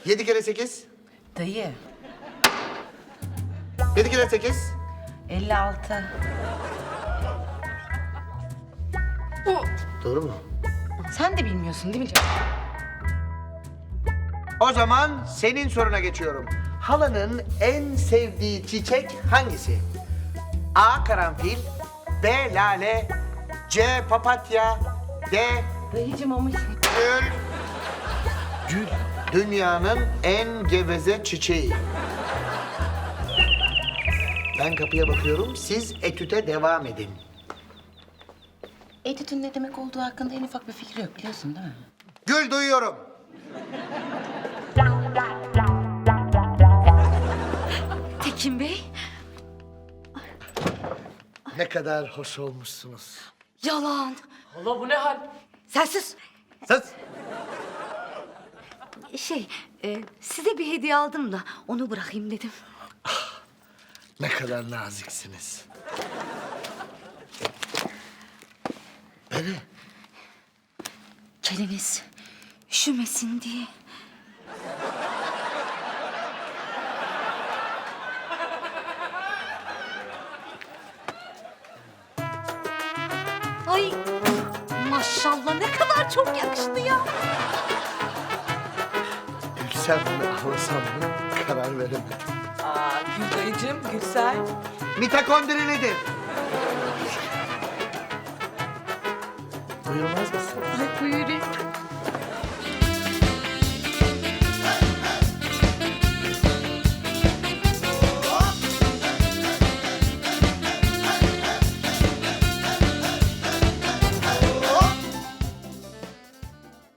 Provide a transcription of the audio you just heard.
7 kere 8. Dayı, 7 kere 8. 56. Doğru mu? Sen de bilmiyorsun değil mi canım? O zaman senin soruna geçiyorum. Halanın en sevdiği çiçek hangisi? A. Karanfil. B. Lale. C. Papatya. D. Dayıcım ama... Gül. Gül. Dünyanın en geveze çiçeği. Ben kapıya bakıyorum, siz etüte devam edin. Etütün ne demek olduğu hakkında en ufak bir fikri yok biliyorsun değil mi? Gül, duyuyorum. Tekin Bey, Ne kadar hoş olmuşsunuz. yalan. Allah bu ne hal? Sen sus. Sus. Size bir hediye aldım da onu bırakayım dedim. Ne kadar naziksiniz. Keliniz üşümesin diye. Ay maşallah ne kadar çok yakıştı ya. Gülsem mi, ağlasam mı karar veremedim. Aa, Gül dayıcığım, Gülsel. Mitokondri nedir? Duyulmaz